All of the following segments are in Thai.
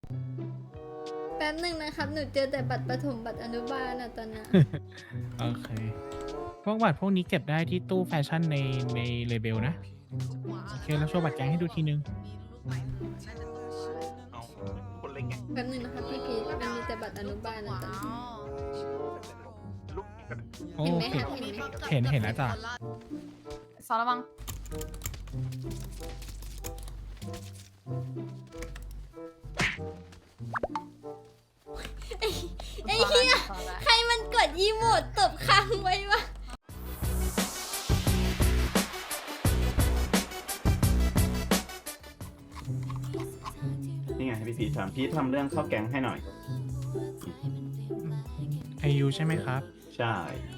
แป๊บหนึ่งนะครับ หนูเจอแต่บัตรประถมบัตรอนุบาลอะตอนเนี้ยโอเค พวกบัตรพวกนี้เก็บได้ที่ตู้แฟชั่นในเลเบลนะ โอเค แล้วโชว์บัตรแก๊งให้ดูทีนึงเอาคนเล็กไงแป๊บหนึ่งนะครับพี่พีทมันมีแต่บัตรอนุบาลอะตอนนี้ลูกกันโอเห็นไหมเคครับเห็นไหมเห็นแล้วจ้ะสอนระวังไอ้เหี้ยใครมันกดอีโมดตบค้างไว้วะนี่ไงพี่พีทำพี่ทำเรื่องเข้าแก๊งให้หน่อยไอยูใช่ไหมครับใช่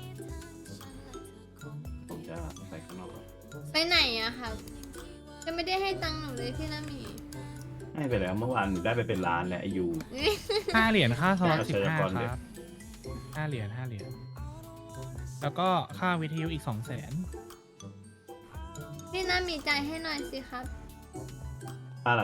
ผมจะไปข้างนอกก่อนไปไหนอะครับจะไม่ได้ให้ตังค์หนูเลยพี่นามีให้ไปแล้วเมื่อวานหนูได้ไปเป็นล้านแล้วไอยู 5 เหรียญค่าสล็อตเชิญก่อน 15 เดี๋คยวรับ5 เหรียญแล้วก็ค่าวิทยุอีก 200,000 พี่นามีใจายให้หน่อยสิครับอะไร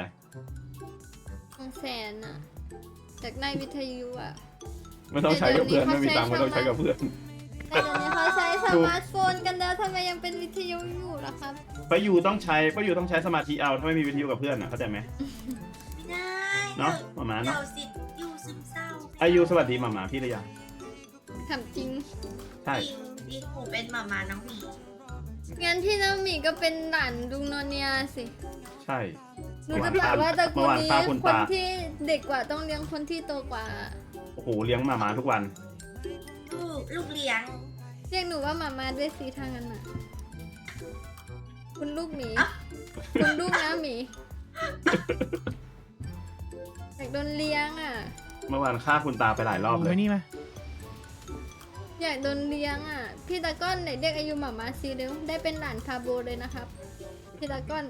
200,000อะจากได้วิทยุอะไม่ต้องใช้กับเพื่อนไม่มีตังค์ไม่ต้องใช้กับเพื่อนแต่เดี๋ยวนี้เขาใช้สมาร์ทโฟนกันแล้วทำไมยังเป็นวิทยุอยู่ล่ะครับป้ายูต้องใช้สมาธิเอาถ้าไม่มีวิทยุกับเพื่อนอ่ะเข้าใจไหมไม่ได้เนาะหมามาเดี๋เนาะยวสิอยู่ซึมเศร้าอายุสวัสดีหมาพี่หรือยังถามจริงใช่จริงดิผมเป็นหมาน้องหมีงั้นพี่นามีก็เป็นหลานลุงโนเนียสิใช่หนูจะบอกว่าตระกูเมื่อลวานนี้ป้าคุณคนตาที่เด็กกว่าต้องเลี้ยงคนที่โตกว่าโอ้โหเลี้ยงหมาทุกวันลูกเลี้ยงเรียกหนูว่าหมามาด้วยสิทางนั้นน่ะ คุณลูกหมีอ่ะคุณลูกนะหมีอยากโดนเลี้ยงอ่ะเมื่อวานฆ่าคุณตาไปหลายรอบเลไว้ยนี่มาอยากโดนเลี้ยงอ่ะ พี่ตะก้อนไหนเรียกอายุหมามาซีเร็วได้เป็นหลานพาโบเลยนะครับ พี่ตะก้อน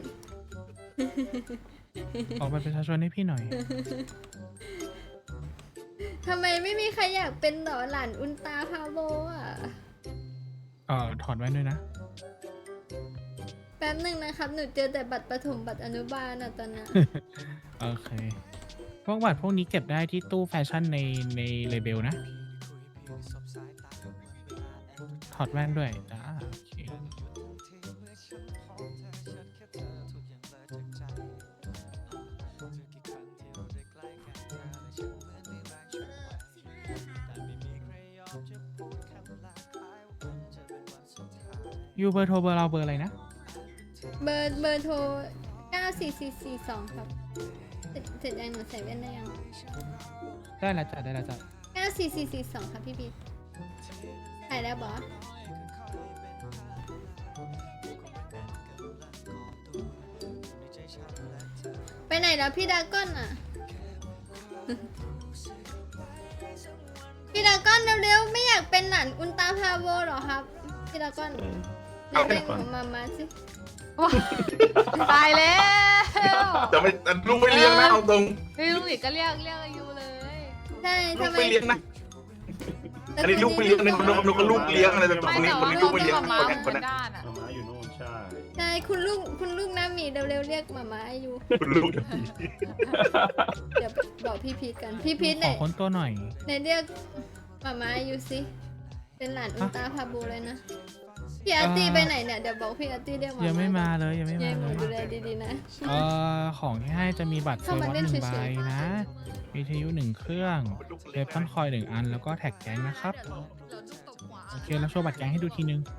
ออกบัตรประชาชนให้พี่หน่อยทำไมไม่มีใครอยากเป็นหรอหลานอุลตราพาโบอ่ะถอดแว่นด้วยนะแป๊บหนึ่งนะครับ หนูเจอแต่บัตรประถมบัตรอนุบาลอ่ะตอนเนี้ยโอเค พวกบัตรพวกนี้เก็บได้ที่ตู้แฟชั่นในเลเบลนะ ถอดแว่นด้วยจ้าโอเค ยูเบอร์โทรเบอร์เราเบอร์อะไรนะเบอร์โทร 94442 ครับ เสร็จยังหนูใส่แว่นได้ยังได้แล้วจ้ะได้แล้วจ้ะ 94442 ครับพี่พีทถ่ายแล้วบอสไปไหนแล้วพี่ดราก้อนอ่ะ พี่ดราก้อนเร็วๆ ไม่อยากเป็นหลานอุลตราพาโวหรอครับ พี่ดราก้อนเอาเรียกก่อนหนูมาสิตายแล้วจะไม่ลูกไม่เลี้ยงนะเอาตรงพี่ลุงหลีก็เรียกอายุเลยใช่ลูทำกไมไม่เลี้ยงนะอันนี้ลูกไม่เลี้ยงอันนี้คนลูกเลี้ยงอะไรตรงไม่นี้แต่คนว่านี้เราลูกไม่เป็นเลี้ยงหมาคนม้านี้เหคมืนอนนั้นด้านอ่ะหมาอยู่โน่นใช่ใช่คุณลูกน้าหมีเร็วๆเรียกหมามาอยู่คุณลูกเดี๋ยวบอกพี่พีทกัน พี่พีทขไหนอค้นตัวหน่อยไหนเรียกหมามาอยู่สิ เป็นหลานอุลตราพาโบเลยนะ พี่อาร์ตี้ไปไหนเนี่ย เดี๋ยวบอกพี่อาร์ตี้เรียกหมายัยังไม่มาเลยยังไม่ยัมางหเลนูยดูแลดีๆนะของที่ให้จะมีบัตรเซอเข้าร์มาวอตเล่นหนึ่งเฉใบยๆนะ วิทยุ1 เครื่องเวฟอนคอย1 อัน แล้วก็แท็กแก๊งนะครับ โอเค แล้วโชว์บัตรแก๊งให้ดูทีนึง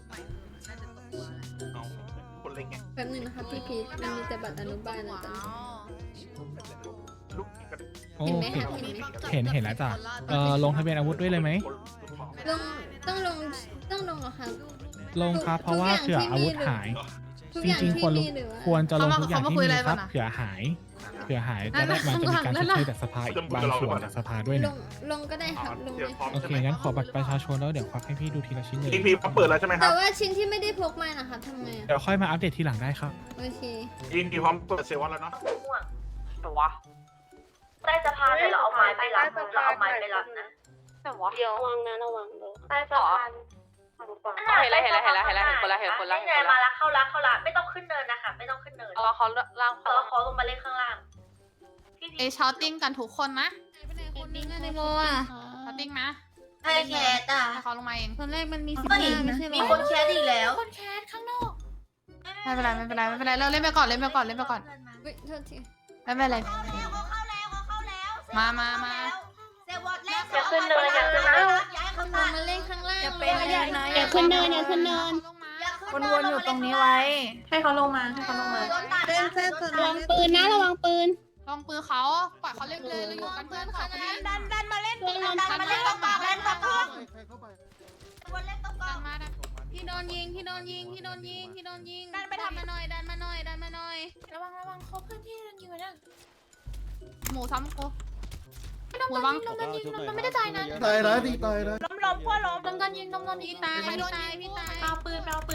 เอาคนเล็กไงแป๊บหนึงนะคะพี่พีทมันมีแต่บัตรอนุบาลนะตอนนี้ลูกกันโอเห็นไหมเคคะเห็นไหมเห็นแล้วจ้ะ ลงทะเบียนอาวุธด้วยเลยไหมลงต้องลงเหรอคะลงครับ เพราะว่าเผื่ออาวุธหายทุกจอย่างริงๆที่ควรมีหรือว่าควรจะลงทุกอย่างที่มีครับเขามาคุยอะไรกันอะเผื่อหายจะได้มันจะมีการชดเชยจากสภาอีกบางส่วนจากสภาด้วยลนะงก็ได้ครับลงเลยโอเค งั้นขอบัตรประชาชนแล้วเดี๋ยวควักให้พี่ดูทีละชิ้นเลยอีพีเขาเปิดแล้วใช่ไหมคแต่รับว่าชิ้นที่ไม่ได้พกมานะคะทำไงอะเดี๋ยวค่อยมาอัปเดตทีหลังได้ครับโอเคอีพีพร้อมเปิดเซวอนแล้วเนาะแต่วะใต้สะพานแต่เราเอาไม้ไปรับเราเอาไม้ไปรับนะแต่วะเดี๋ยวระวังนะระวังเลยใต้สะพานเห็นแล้วนี่ไงมาละเข้าละไม่ต้องขึ้นเนินนะคะไม่ต้องขึ้นเนิน เขาล่างเขาลงมาเล่นข้างล่างเอชาวติ้งกันทุกคนนะไปไหนคนนึงอะในโมอ่ะชาวติ้งนะไอ้แคทอ่ะให้เขาลงมาเองตอนแรกมันมีก็เห็น 15ไม่ใช่เหรอมีคนแคทอีกแล้วคนแคสข้างนอกไม่เป็นไรเราเล่นไปก่อนเล่นไปก่อนเฮ้ยโทษทีไม่เป็นไรเขาเข้าแล้วมาเซวอตแรกอย่าขึ้นเนินอย่าขึ้นนะย้ายเขาลตางมาเล่นข้างล่างอย่าเป็นอย่านะอย่าขึ้นเนินอย่าขึ้นเนินวนๆอยู่ตรงนี้ไว้ ให้เขาลงมาให้เขาลงมาเล่นเส้นระวังปืนนะระวังปืนลองปืนเขาปล่อยเขาเล่นเลยเราอยู่กันเพื่อนเขาพอดีดันมาเล่นดันมาเล่นตรงกลางเล่นตรงกลางวนเล่นตรงกลางมาพี่โดนยิงดันไปทำมาหน่อยดันมาหน่อยระวังเขาเพื่อนที่ยิงอยู่นะหมูซ้ำกูหมูระวังมันไม่ได้ตายนะตายนะดีตายนะล้มพวกล้มโดนยิงพี่ตายพี่ตายเอาปืนเขา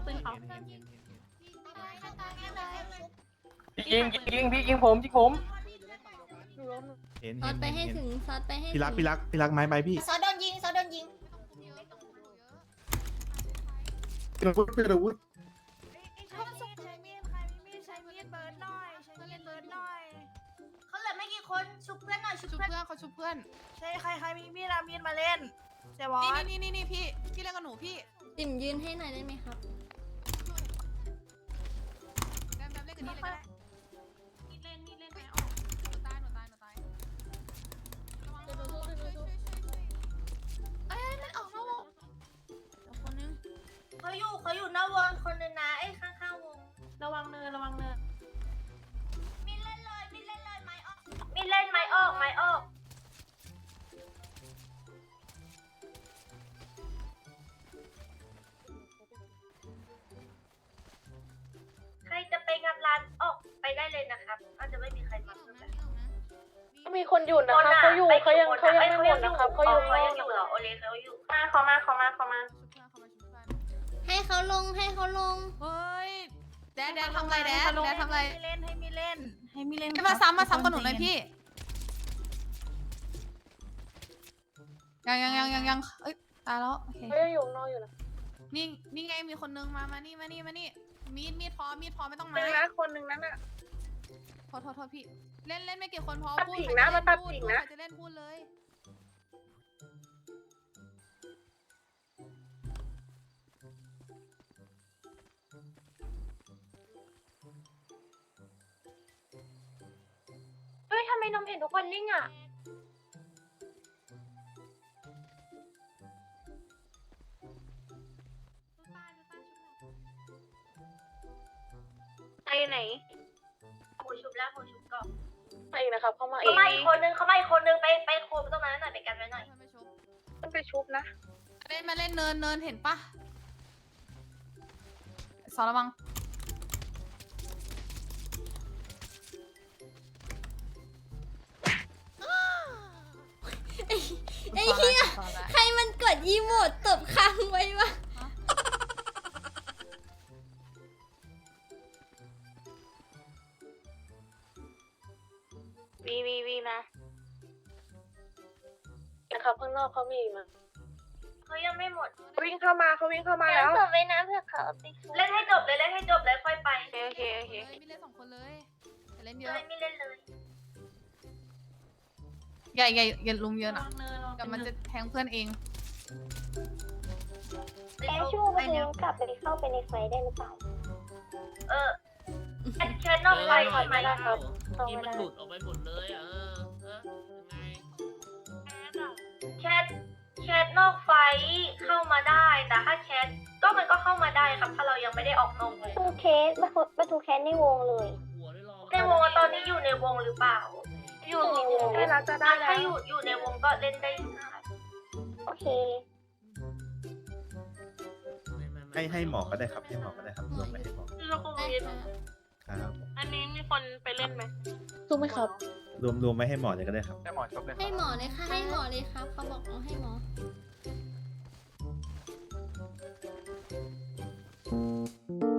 ยิงพี่ยิงผมเห็นซอสไปให้ถึงซอสไปให้พี่รักไม้ไปพี่ซอโดนยิงเป็นอาวุธเป็นอาวุธเขาเหลือไม่กี่คนชุบเพื่อนหน่อยชุบชุบเพื่อนเพื่อนเขาชุบเพื่อนใช่ใครมีมีดมาเล่นเซวอตนี่พี่เล่นกับหนูพี่ติ่มยืนให้หน่อยได้ไหมครับแบมเล่นกับนี่เลยก็ได้เล่นไหมออกหนูตายเอ้ยมันออกนอกวงคนนึงเขาอยู่หน้าวงคนนึงนะไอ้ข้างๆวงระวังเนินมีเล่นไม้ออกมีเล่นไม้ออกใครจะไปงัดร้านออกไปได้เลยนะครับอาจจะไม่มีใครมาเลยมีคนอยู่นะคะเขาอยู่เขายังไม่หมดนะคะเขาอยู่เขายังอยู่เหรอโอเลเขาอยู่เขามาชุบเพื่อนเขามาชุบเพื่อนให้เขาลงเฮ้ยแดดทำไรทำไรให้มีเล่นให้มาซ้ำกับหนูหน่อยพี่ยังเอ้ยตายแล้วโอเคเขายังอยู่นอกอยู่นะนี่ไงมีคนนึงมานี่มีดพอไม่ต้องหนึ่ไม้งนะคนหนึ่งนั้นอ่ะโทษพี่เล่นไม่กี่คนพอตัดพูดกิ่งนะมาตัดกิ่งนะใครจะเล่นพูดเลยเฮ้ยทำไมนมเห็นทุกคนนิ่งอ่ะ ไปไหนหมูชุบแล้วหมูชุบก่อนไปอีกนะครับเขามาเขามาอีกคนนึงไปโคมตรงนั้นหน่อยไปกันไว้หน่อยต้องไปชุบนะมาเล่นเนินเห็นปะสอนระวังไอ้เหี้ยใครมันกดอีโมดตบค้างไว้วะวีนะนะครับข้างนอกเขามีมาเขายังไม่หมดวิ่งเข้ามาแล้วเสิร์ฟไว้นะเพื่อเขาเล่นให้จบเลยค่อยไปโอเคมีเล่น2 คนเลยแต่เล่นเยเลอะยไม่เล่นเลยอย่าลุมเยอะนะเดี๋ยวมันจะแทงเพื่อนเองช่วงนี้กลับไปเข้าไปในไฟได้หรือเปล่าแค่นอกไฟก่อนไหมที่มันหลุดออกไปหมดเลยยังไงแชทนอกไฟเข้ามาได้แต่ถ้าแชทก็มันก็เข้ามาได้ครับถ้าเรายังไม่ได้ออกนอกเลยทูเคสมาทูแคสในวงเลยหัวได้รอในวงตอนนี้อยู่ในวงหรือเปล่าอยู่ให้เราจะได้แล้ถ้าว อยู่ในวงก็เล่นได้อยู่ค่ะโอเคให้หมอก็ได้ครับให้หมอก็ได้ครับรวมไปให้หมอเราคงได้เรียนค่ะครับอันนี้มีคนไปเล่นไหมถูกไหมครับรวมไปให้หมอเลยก็ได้ครับได้หมอจบเลยให้หมอเลยค่ะให้หมอเลยครับเขาบอกเอาให้หมอ